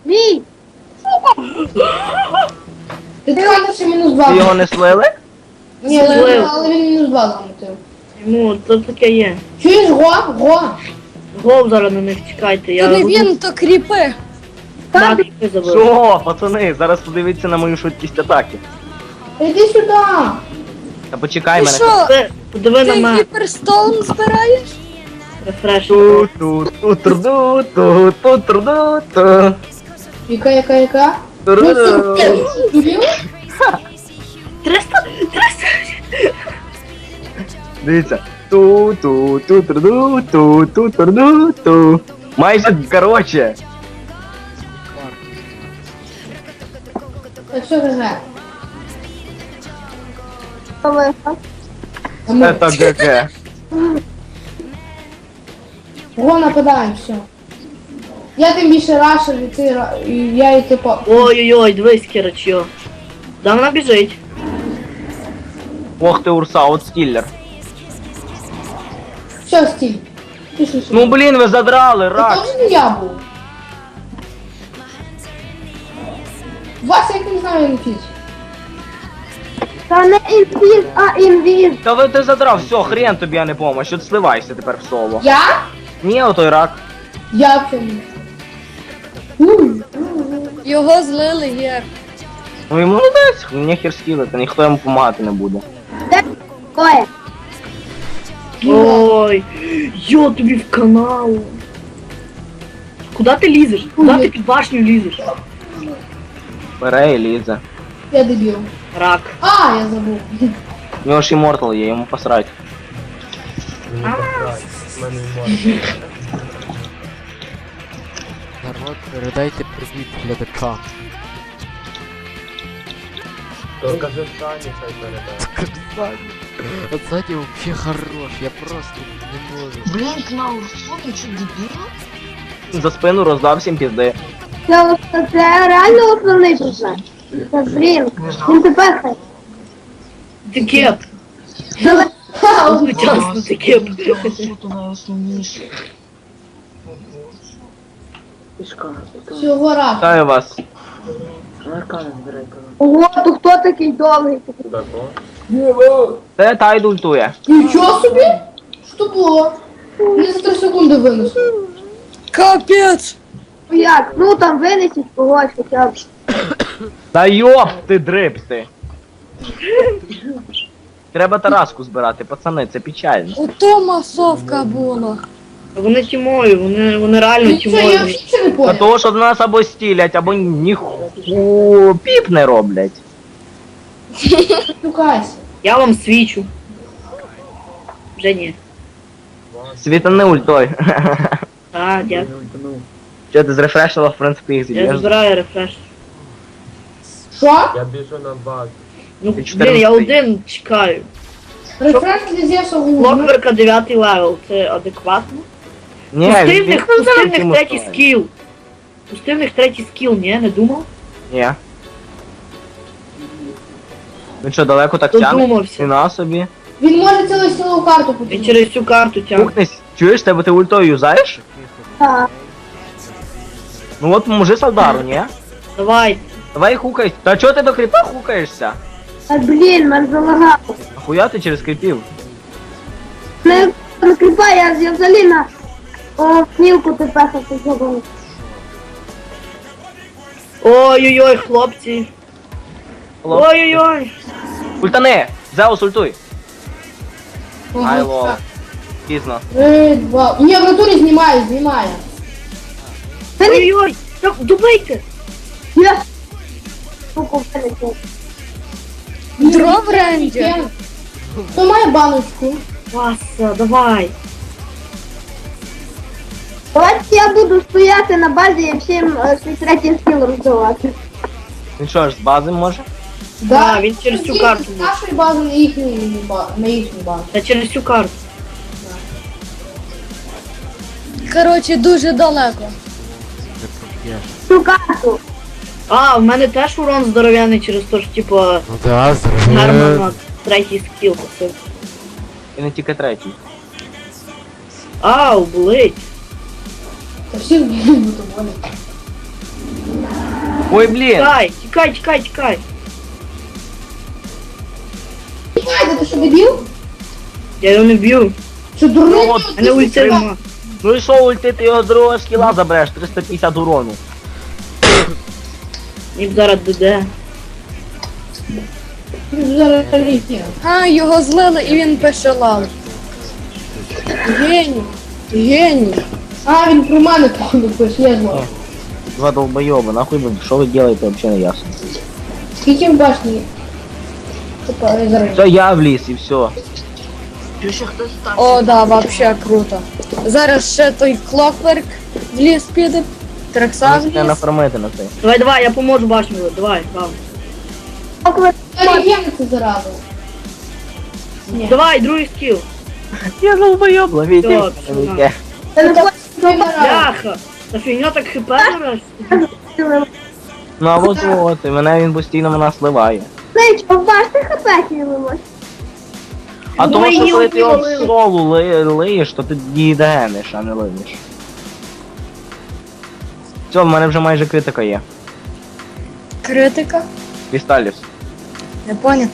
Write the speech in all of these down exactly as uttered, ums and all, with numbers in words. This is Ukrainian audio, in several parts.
Мій! Ти треба ще мінус два. Ви його не слили? Ні, Злив. але він мінус два замотив. Йому то таке є. Чуєш, го? Го? Гол зараз на них чекайте, я То не буду він, то кріпи. бабки забив. Що, пацани, зараз подивіться на мою швидкість атаки. Іди сюди. Та почекай Ти мене. що, Ти Подиви на ти мене. гіперстоун збираєш? Рефреш. ту ту ту турду ту ту турду ту Яка, яка, яка? Ну, турду. це дурів? триста! триста! Дивіться. Ту ту ту турду ту ту турду ту. Майже, короче. Так що ГГ? Коли? А ми- Это ГГ. Го нападаємо, все. Я тим більше рашер, і ти, ра- і я і ти по... Ой-ой-ой, дивись, Кірачо. Да вона біжить. Ох ти урса, от стіллер. Все, стіль. Пішли сюди. Ну блін, ви задрали, Це рак. теж не я був. Вася, як не знаю, я не фіч. Та не інвіз, а інвіз. Та ви ти задрав, все, хрен тобі, а не помощь. От сливайся тепер в соло. Я? Ні, отой рак. Я в цьому. Уй. Його злили є. Ну йому молодець, мені хер скілити, ніхто йому допомагати не буде. Де? Ой. Ой, йо, тобі в канал. Куда ти лізеш? Куда ти під башню лізеш? Бере і лізе. Я дебіл. Рак. А, я забув. У нього ж іммортал є, йому посрать. Народ, передайте привіт глядачам. То кажи Сані, хай передай. Саня. От Саня вообще хорош, я просто не можу. Блин, Кнау, что ты что, дебил? За спину роздав всім пізди. Це, це, це реально основний персонаж. Це блін. Він тепер хай. Ти кеп. Давай. Одночасно ти кеп. Сука, найосновніше. Всього раз. Вітаю вас. Ого, то хто такий довгий? Куда то? Це Тайд ультує. Нічого собі? Що було? Не за три секунди винесло. Капець! Ну як? Ну там винесіть когось хоча б. Та йоп, ти дрипси. Треба Тараску збирати, пацани, це печально. Ото масовка була. Вони тімою, вони, вони реально Нічого, я тімою. взагалі нічого не Та понял. того, що нас або стілять, або ніху піп не роблять. Шукайся. Я вам свічу. Вже ні. Світани ультой. А, дякую. Що ти зрефрешила, в принципі, їх Я зіб'єш? забираю рефреш. Що? Я біжу на базу. Ну, Ти блін, я чотирнадцятий. один чекаю. Рефреш для Зевса гуглу. Клокверка дев'ятий левел, це адекватно? Ні, Пусти в він них, він пусти в них цим третій устроєний. скіл. Пусти в них третій скіл, ні, не думав? Ні. Він що, далеко так тягне? Додумався. Ціна собі. Він може цілу силову карту Він потягнути. через цю карту тягне. Пукнись, чуєш, тебе ти ультою юзаєш? Так. Ну от поможи Салдару, ні? Давай. Давай хукай. Та чого ти до кріпа хукаєшся? Та блін, мене залагало. Ахуя ти через кріпів? Не накріпай, я, я взагалі на о, снілку тепер хочу зробити. Ой-ой-ой, хлопці. Хлоп. Ой-ой-ой. Ультани! Зеус ультуй! Ага, Ай, лол. так. Пізно. Три, два. Ні, в натурі знімає, знімає. Ой-ой-ой. Так, добийте. Я суку вилетів. Дров рейнджер. Хто має баночку? Васа, давай. Давайте я буду стояти на базі і всім е, свій третій скіл роздавати. Він що ж, з бази може? Да, він через цю Тільки карту з був. нашої бази на їхню, ба- на їхню базу. Та через цю карту. Коротше, дуже далеко. Ти проп'єш. Цю карту. А, в мене теж урон здоров'яний через те, що, типа, Ну да, зроби. Герман третій скіл посив. І не тільки третій. Ау, болить. Та всі вб'ють, бо то болить. Ой, блін! Тікай, тікай, тікай, тікай. Чекайте, ти що дебіл? Я його не б'ю. Що дурний? Ну, от, А не ульти нема. Ну і що ульти, ти його з другого скіла забереш, триста п'ятдесят урону. Ні зараз ДД. Зараз літня. А, його злили і він пише лав. Геній. Геній. А, він про мене походу пише, я знаю. Два долбойоба, нахуй ви, що ви делаете, вообще не ясно. Скільки в башні? Типа, я зараз. Все, я вліз і все. Чи ще хтось там? О, да, вообще круто. Зараз ще той Клокверк в ліс піде. Трекса в Можете ліс. нафармити на цей. Давай, давай, я поможу башню. Давай, бам. Оріген це зараза. Ні. Давай, другий скіл. Я долбойоб, ловіть. Все, все, Ловіть. Це не зараза. Бляха. Та фігня так хп зараз. Ну а от от, і мене він постійно мене сливає. Знаєш, побачте хп хілимось. А Ну, тому і що коли не ти його в вбили. солу ли- лиєш, то ти її дегениш, а не лиєш. Все, в мене вже майже критика є. Критика. Крісталіс. Не поняв.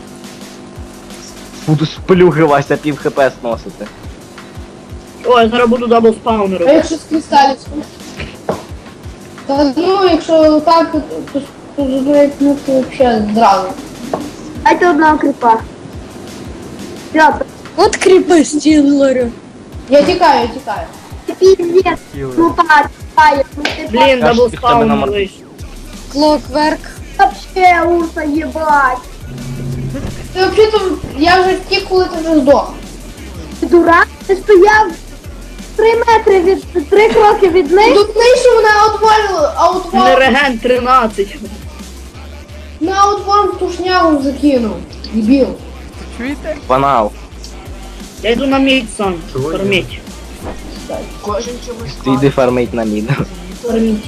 Буду сплюгиватися пів хп сносити. Ой, я зараз буду дабл спаун А робити. якщо з кристалічком? Та ну, якщо так, то, то, то ну, ну, то взагалі зразу. Дайте одного кріпа. Все, От кріпи стілерю. Я тікаю, я тікаю. це піздець. Ну так, тікає. Ну ти Блін, Я ж дабл тебе спаун не намар- вийшов. Клокверк. вообще урса єбать. Ти взагалі-то, я вже втік, коли ти вже здох. Ти дурак? Ти стояв три метри від, три кроки від них. Тут нижче мене аутвалили, Не аутвал, реген тринадцять. на аутвал в тушнягу закинув. Дебіл. Банал. Я йду на мід сам. Чого Корміть. Кожен чомусь Ти йди фармить на мід. Корміть.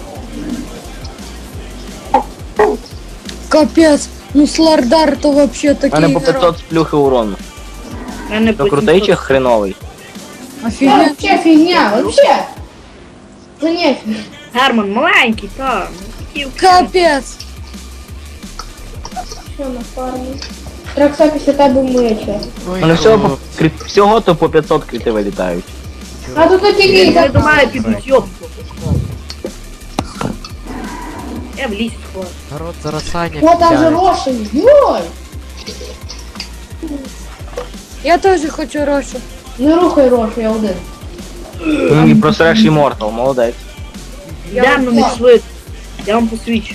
Капець. Ну Слардар то вообще У такий мене по герой. п'ятсот сплюхи урону. Мене То крутий чи хреновий? Це Офігеть. вообще фігня, вообще. Це не фігня. Герман маленький, так. Капець. Що на фармі? Тракса після тебе миє. У мене всього, по, крит- всього то по п'ятсот крити вилітають. А тут тільки і Я так. до мене підуть, йоп. Я в ліс схожу. Народ зараз Саня О, там же підтягне. Рошин, йой! Я теж хочу Рошу. Не рухай Рошу, я один. Ну і просреш Immortal, молодець. Йдемо на них швидко. Я вам посвідчу.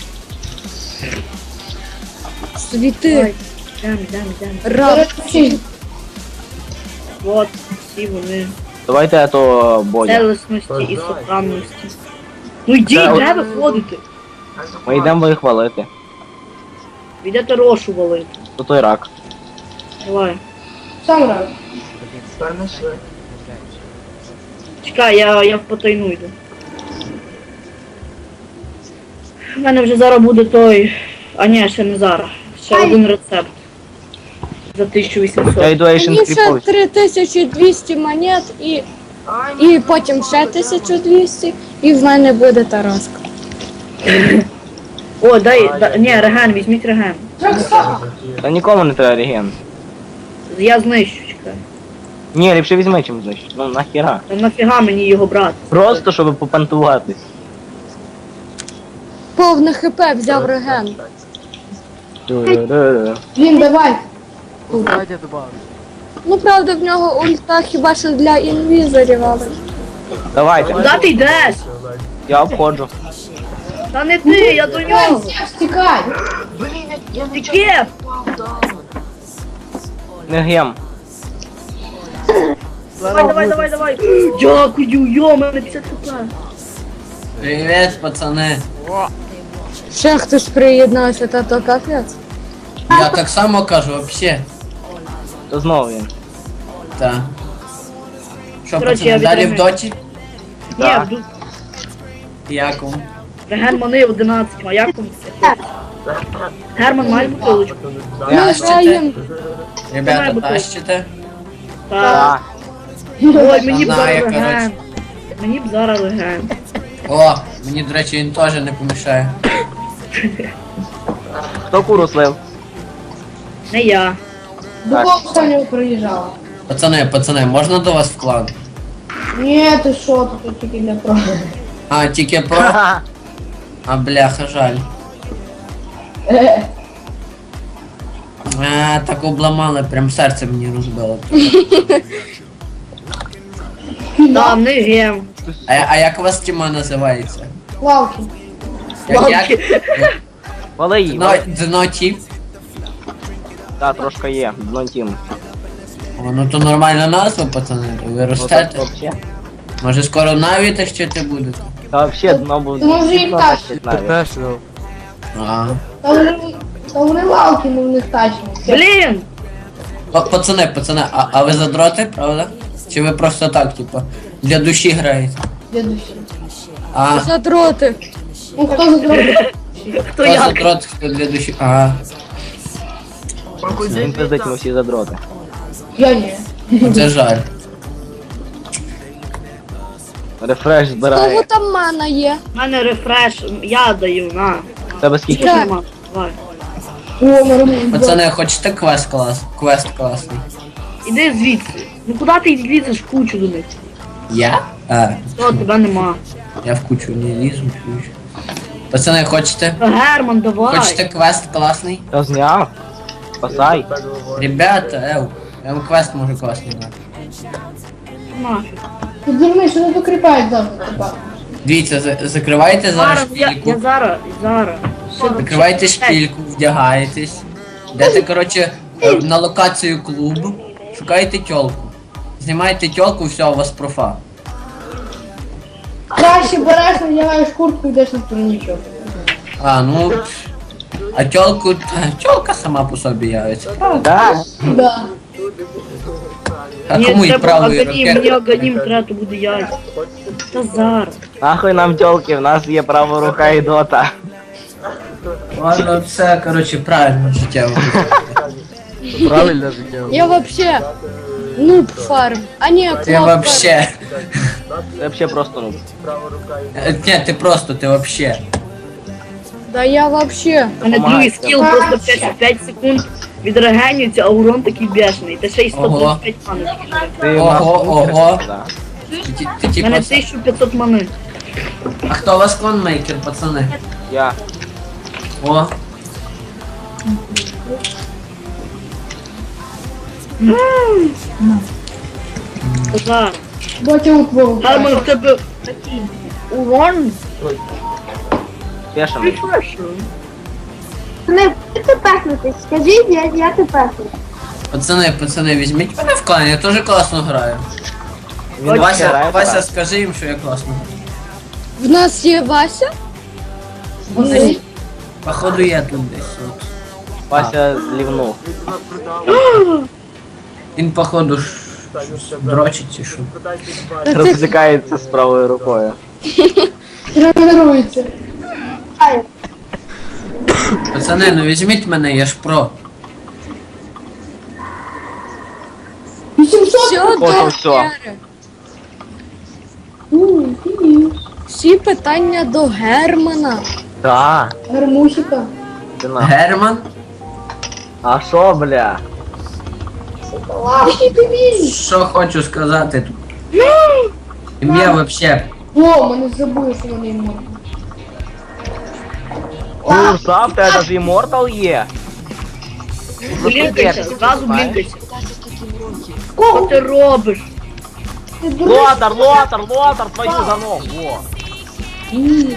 Світи. Йдемо, йдемо, йдемо. Раб. Вчись. От, всі вони. Давайте я то Бодя. Целісності і сохранності. Ну йдіть, Це от- де ви ходите? Ми йдемо їх валити. Ви йдете рошу валити. То той рак. Давай. Сам рад. перенесли. Чекай, я, я в потайну йду. У мене вже зараз буде той. А ні, ще не зараз. Ще один рецепт. За тисячу Я вісімсот. йду Asian Мені ще Creepovич. три тисячі двісті монет і, і потім ще тисячу двісті і в мене буде Тараска. О, дай, да, ні, реген, візьміть реген. Тракса! Та нікому не треба реген. Я знищу, чекай. Ні, ліпше візьми чим значить. Ну нахіра. Та нафіга мені його брати? Просто щоб попантуватись. Повне хп взяв реген. Ду-ду-ду-ду. Блін, давай. Саня добавив. Ну правда в нього ульта хіба що для інвізорів, але. Давайте. Куди ти йдеш? Я обходжу. Та не ти, я до Тікай, нього. Сєв, стікай. Блін, я, я Ти нічого кеп! не впав, да. Не гем. Давай, давай, давай, давай. Дякую, йо, мене п'ятдесят хп. Привет, пацани. Ще хтось приєднався, та то капець. Я так само кажу, вообще. То знову він. Та. Що, Коротше, я пацани, далі в відремонтую. доті? Ні, Так. вду- Як вам? реген мани одинадцять, а як вам це? Герман, має бутилочку? Ми Тащите? граємо. Ребята, Давай, бутилку. тащите? Так. Так. Ой, мені б Знаю, зараз коротше. реген. Мені б зараз реген. О, мені, до речі, він теж не помішає. Хто куру слив? Не я. До кого останнього приїжджала? Пацани, пацани, можна до вас в клан? Ні, ти що, тут тільки для про. А, тільки про. А бляха, жаль. Е, А, так обламали, прям серце мені розбило. Там не гем. А, а як у вас тіма називається? Лавки. Як, як? Вали її. Дно, дно тіп? Так, трошки є. Дно тім. О, ну то нормальна назва, пацани. Ви ростете. Вообще. Може скоро навіть тащити будете? Та вообще дно буде. Ти може їм дно так. тащить навіть. Professional. А. Та вони, та вони лавки, ну в них тачні. Блін! Па- Пацани, пацани, а, а ви задроти, правда? Чи ви просто так, типу, для душі граєте? Для душі. А, Задроти. Ну хто зробить? Хто хто як? задрот, хто для душі? Ага. Він пиздить, ми всі задроти. Я ні. Це жаль. Рефреш Кого збирає. там мана є? У мене рефреш, я даю, на. Тебе скільки? Так. Нема. Давай. О, нормально. Пацани, хочете квест клас? Квест класний. Іди звідси. Ну куди ти лізеш в кучу до них? Я? А, Що, тебе нема. я в кучу не лізу, чуєш. Пацани, хочете? Та Герман, давай. Хочете квест класний? Я зняв. Спасай. Ребята, ев, я вам квест можу класний дати. Нафіг. Ти дурний, що не докріпають завжди, типа. Дивіться, за- закривайте зараз Зараз, я, шпільку. я зараз, зараз. Що ти? Закривайте шпільку, вдягаєтесь. Йдете, коротше, е, на локацію клуб, шукаєте тьолку. Знімаєте тьолку, все, у вас профа. Краще береш, надягаєш куртку і йдеш на турнічок. А, ну. А тьолку. та, Тьолка сама по собі явиться. Да. Да. А Ні, кому і треба правої аганім, мені руки? аганім треба, то буде я. Та зараз. Нахуй нам тёлки, в нас є права рука і дота. Ладно, все, коротше, правильно життєво. Правильно життя. Я вообще нуб фарм. А ні, клоп Ти фарм. вообще. Це вообще просто ну. Е, Ні, ти просто, ти вообще. Да я вообще. У мене Помагай, другий скіл просто п'ять, п'ять секунд відрегенюється, а урон такий бешений. Та ще й сто двадцять п'ять мани. Ти Ого, нахуй ого. кричиш, да. Ти, ти, ти У типу. мене тисяча п'ятсот мани. А хто у вас клонмейкер, пацани? Я. О, Та зараз. Бачу у твого. Герман, в тебе такий урон. Пешим. Прифрешу. Не ти пехнутись, скажіть, я, я ти пехну. пацани, пацани, візьміть мене в клан, я теж класно граю. Він Вася, грає, Вася, так. скажи їм, що я класно граю. В нас є Вася? Ні. Походу я тут десь. От. Вася лівнув. Він, походу, ш... дрочить чи що. Розсікається з правою рукою. Тренується. Ай, Пацани, ну візьміть мене, я ж про. вісімсот. Все, Ось до все. Гери. У, ти. Всі питання до Германа. Да. Гармусіка. Ти нахуй. Герман? А шо, бля? Лавки ти візь. Що хочу сказати тут? Ім'я вообще. О, мене забули, що вони можуть. Курса, в тебе ж іммортал є. Блінкайся, зразу блінкайся. Кого? Що ти робиш? Ти дурний? Лотар, лотар, лотар, твою за ногу. Во. Ні.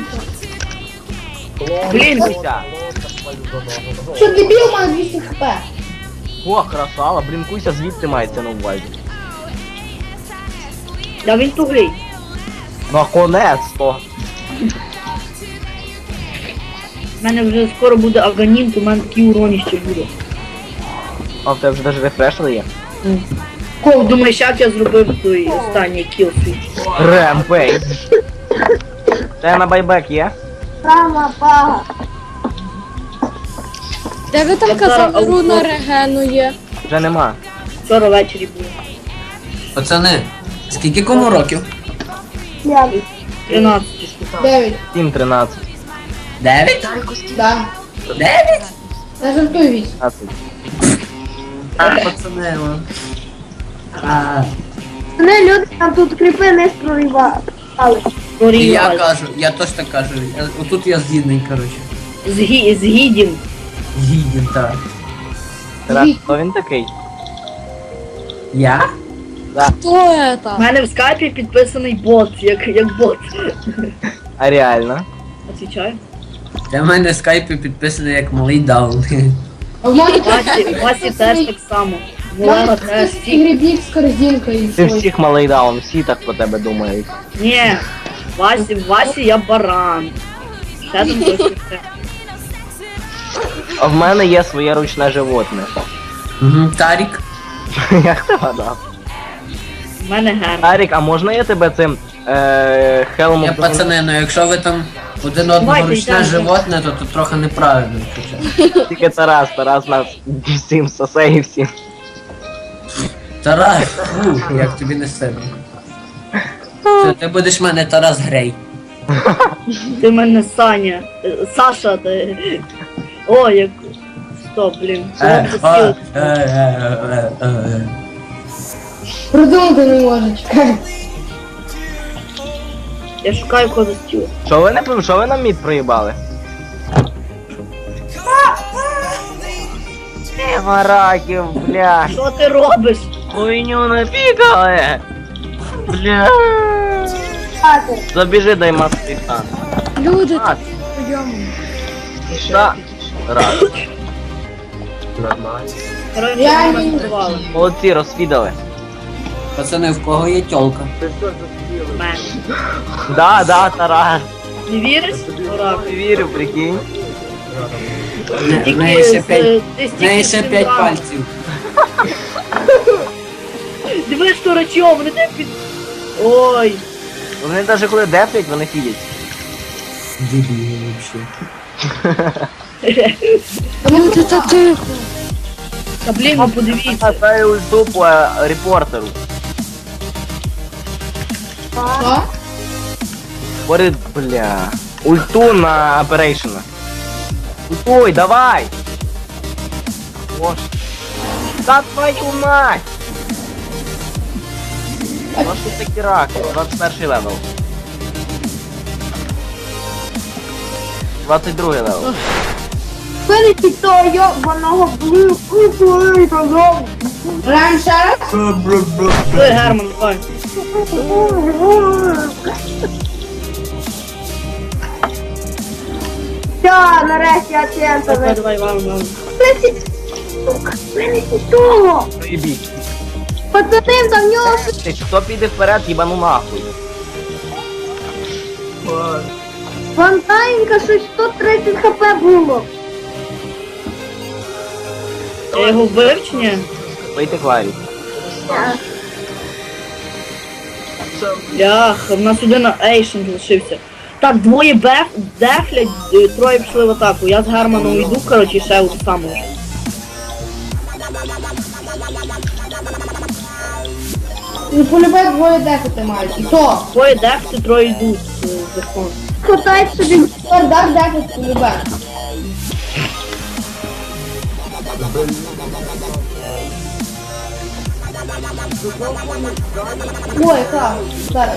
Блінкайся. Що дебіл, у мене двісті хп. О, красава, блінкуйся звідти мається на увазі. Да він тугий. Наконець-то. У мене вже скоро буде аганім, то в мене такий урон ще буде. А в тебе вже навіть рефреш є. Кого думаєш, як я зробив той останній кіл свій? Ремпейдж. Тебе на байбек є? права пага. Де ви там Я казали, зараз руна аутсорс. регену є? Вже нема. Вчора ввечері було. Пацани, скільки кому років? Я. тринадцять. Дев'ять. сім тринадцять. Дев'ять? Тарку скільки? Да. Дев'ять? Я жартую вісь. двадцять. А, пацани, ну. А, Вони люди там тут кріпи не проривали. і я кажу, я теж так кажу. Я- Отут я згідний, коротше. Згі... Згідім. Згідний, так. Тарас, хто він такий? Я? Хто У это? мене в скайпі підписаний бот, як, як бот. А реально? Отвічаю. Для мене в скайпі підписаний як малий даун. А в мене Васі, Васі теж так само. У мене Волена теж. такий грибік з корзинкою. Ти всіх малий даун, всі так про тебе думають. Ні. Васі, Васі я баран. Ще там щось таке. А в мене є своє ручне животне. Угу. Тарік. Як ти гадав? У мене герм. Тарік, а можна я тебе цим е, хелмом... Я пацани, ну якщо ви там один одного Давайте, ручне йдемо. животне, то тут трохи неправильно. хоча. Тільки Тарас, Тарас нас всім сосе і всім. Тарас, фу, як тобі не сильно. Все, ти будеш в мене Тарас Грей. Ти в мене Саня. Е, Саша, ти. О, як. Стоп, блін. Е, Що а, це е, сіл? е, е, е, е. Придумати не може, чекай. Я шукаю кого за стіл. Що ви не що ви нам мід проїбали? Е, мараків, бля. Що ти робиш? Хуйню напікали. Бля. Хати. Забіжи, дай маски стан. Люди А, прийому. та. Раз. Нормально. Коротше, Я ми не- монтували. Молодці, розфідали. Пацани, в кого є тьолка? Ти що заспіли? Мене. Да, да, Тарас. Не віриш? Дурак. Не вірю, прикинь. В Тільки неї ще з- п'ять. ти В неї ще стільки п'ять синдром. пальців. Дивись, що рачом, вони тебе під... Ой. Вони навіть коли дефлять, вони фідять. Дебіли вообще. Люди, та тихо. Та блін, ну подивіться. Дай ульту по е, репортеру. Що? Поряд, бля. Ульту на оперейшена. Ультуй, давай! Боже. Та твою мать! Ну що такі раки? двадцять перший левел. двадцять другий левел. Винесіть того йобаного блю. Ой, казав. Граємо ще раз? Ой, Герман, давай. Все, нарешті я чемпіон. Давай, давай, вам, вам. Винесіть, сука, винесіть того. Проїбіть. Пацани, там в нього Ти хто піде вперед, їбану нахуй. Вантайнка щось сто тридцять хп було. Я його вбив чи ні? Вийти клаві. Ях, в нас один Ейшен залишився. Так, двоє беф, дефлять, е, троє пішли в атаку. Я з Германом йду, коротше, ще у саму. Ну, полюбе двоє дефити мають. І то. Двоє дефти, троє йдуть е, верхом. Хватай собі. Дак дефить полюбе. Ой, яка? Зараз.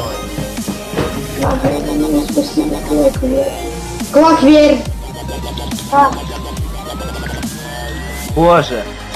Клак вір. Боже,